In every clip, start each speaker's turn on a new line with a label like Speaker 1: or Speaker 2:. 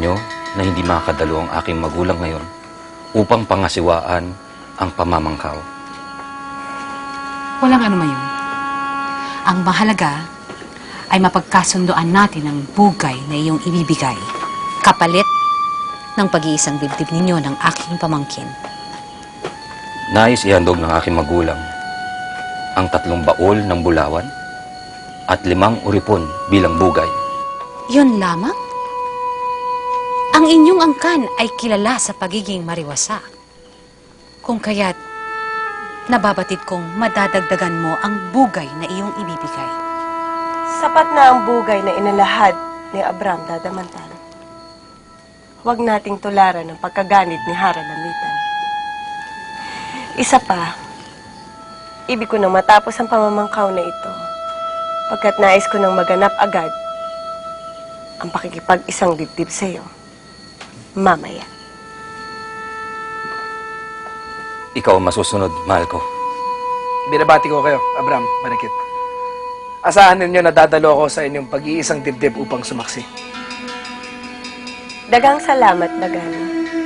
Speaker 1: ninyo na hindi makadalo ang aking magulang ngayon upang pangasiwaan ang pamamangkaw.
Speaker 2: Walang ano man yun. Ang mahalaga ay mapagkasundoan natin ang bugay na iyong ibibigay. Kapalit ng pag-iisang dibdib ninyo ng aking pamangkin.
Speaker 1: Nais ihandog ng aking magulang ang 3 baol ng bulawan at 5 uripon bilang bugay.
Speaker 2: Yun lamang? Ang inyong angkan ay kilala sa pagiging mariwasa. Kung kaya't nababatid kong madadagdagan mo ang bugay na iyong ibibigay.
Speaker 3: Sapat na ang bugay na inalahad ni Abram Dadamantan. Huwag nating tularan ang pagkaganit ni Hara Lamitan. Isa pa, ibig ko nang matapos ang pamamangkaw na ito, pagkat nais ko nang maganap agad ang pakikipag-isang dibdib sa iyo. Mamaya.
Speaker 1: Ikaw ang masusunod, mahal ko.
Speaker 4: Binabati ko kayo, Abram, Marikit. Asahan ninyo na dadalo ako sa inyong pag-iisang dibdib upang sumaksi.
Speaker 3: Dagang salamat, Bagani.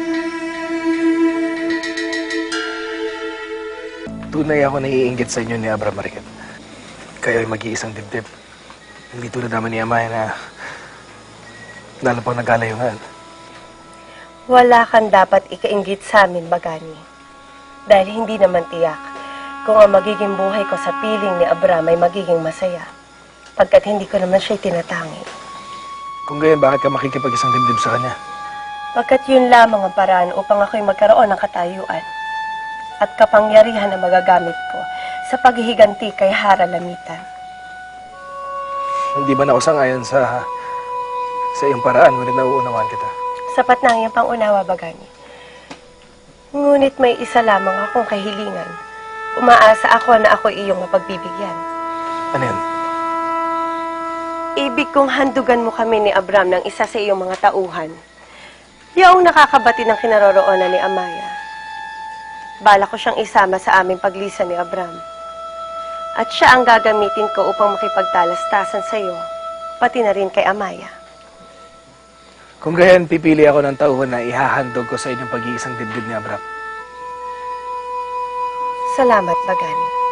Speaker 4: Tunay ako naiinggit sa inyo ni Abram, Marikit. Kayo ay mag-iisang dibdib. Hindi tulad naman ni Amaya na lalo pang nagkalayungan.
Speaker 3: Wala kang dapat ikainggit sa amin, Bagani. Dahil hindi naman tiyak kung ang magiging buhay ko sa piling ni Abram ay magiging masaya. Pagkat hindi ko naman siya'y tinatangi.
Speaker 4: Kung gayon, bakit ka makikipag-isang dibdib sa kanya?
Speaker 3: Pagkat yun lamang ang paraan upang ako'y magkaroon ng katayuan at kapangyarihan na magagamit ko sa paghihiganti kay Hara Lamitan.
Speaker 4: Hindi ba na ako sangayon sa iyong paraan, ngunit nauunawaan kita?
Speaker 3: Sapat na ang iyong pangunawa, Bagani. Ngunit may isa lamang akong kahilingan. Umaasa ako na ako iyong mapagbibigyan.
Speaker 4: Ano yan?
Speaker 3: Ibig kong handugan mo kami ni Abram ng isa sa iyong mga tauhan. Yaong nakakabati ng kinaroroonan ni Amaya. Bala ko siyang isama sa aming paglisan ni Abram. At siya ang gagamitin ko upang makipagtalastasan sa iyo, pati na rin kay Amaya.
Speaker 4: Kung gayon, pipili ako ng tauhan na ihahandog ko sa inyong pag-iisang dibdib ni Abram.
Speaker 3: Salamat, Bagani.